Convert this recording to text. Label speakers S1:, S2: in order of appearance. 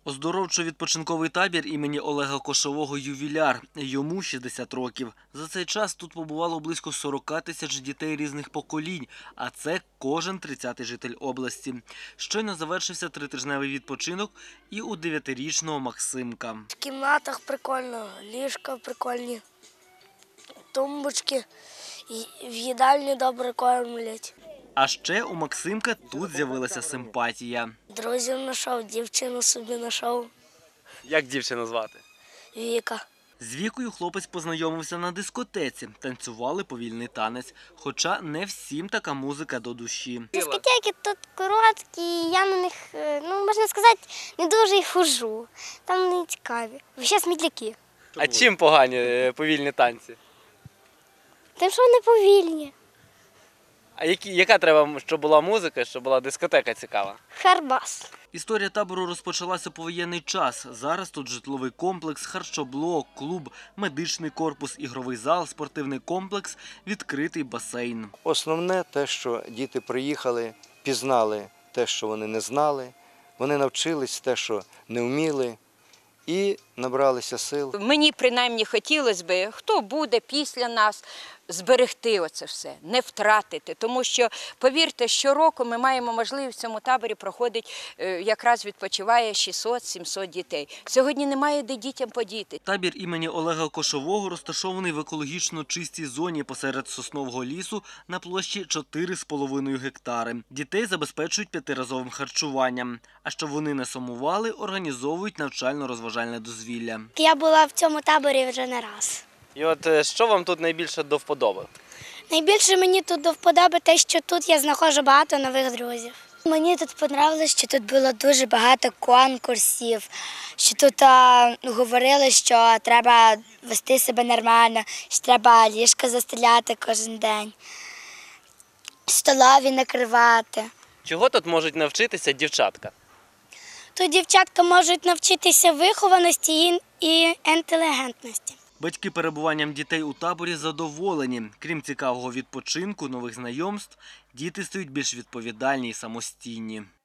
S1: Оздоровчо-відпочинковий табір імені Олега Кошового «Ювіляр». Йому 60 років. За цей час тут побувало близько 40 тисяч дітей різних поколінь, а це кожен 30-й житель області. Щойно завершився тритижневий відпочинок і у 9-річного Максимка.
S2: В кімнатах прикольно, ліжка прикольні, тумбочки, в їдальні добре кормлять.
S1: А ще у Максимка тут з'явилася симпатія.
S2: Друзів знайшов, дівчину собі знайшов.
S3: Як дівчину звати?
S2: Віка.
S1: З Вікою хлопець познайомився на дискотеці, танцювали повільний танець. Хоча не всім така музика до душі.
S4: Дискотеки тут короткі, я на них, можна сказати, не дуже й хожу. Там не цікаві. Ще смітляки.
S3: А чим погані повільні танці?
S4: Тим, що вони повільні.
S3: А яка треба, щоб була музика, щоб була дискотека цікава?
S4: Харбас.
S1: Історія табору розпочалася повоєнний час. Зараз тут житловий комплекс, харчоблок, клуб, медичний корпус, ігровий зал, спортивний комплекс, відкритий басейн.
S5: Основне те, що діти приїхали, пізнали те, що вони не знали, вони навчились те, що не вміли, і набралися сил.
S6: Мені принаймні хотілося б, хто буде після нас, зберегти оце все, не втратити. Тому що, повірте, щороку ми маємо можливість в цьому таборі проходить, якраз відпочиває 600-700 дітей. Сьогодні немає де дітям подіти.
S1: Табір імені Олега Кошового розташований в екологічно чистій зоні посеред соснового лісу на площі 4,5 гектари. Дітей забезпечують 5-разовим харчуванням. А щоб вони не сумували, організовують навчально-розважальне дозвілля.
S4: Я була в цьому таборі вже не раз.
S3: І от що вам тут найбільше до вподоби?
S4: Найбільше мені тут до вподоби те, що тут я знаходжу багато нових друзів. Мені тут подобалося, що тут було дуже багато конкурсів, що тут говорили, що треба вести себе нормально, що треба ліжко застеляти кожен день, столові накривати.
S3: Чого тут можуть навчитися дівчатка?
S4: Тут дівчатка можуть навчитися вихованості і інтелігентності.
S1: Батьки перебуванням дітей у таборі задоволені. Крім цікавого відпочинку, нових знайомств, діти стають більш відповідальні і самостійні.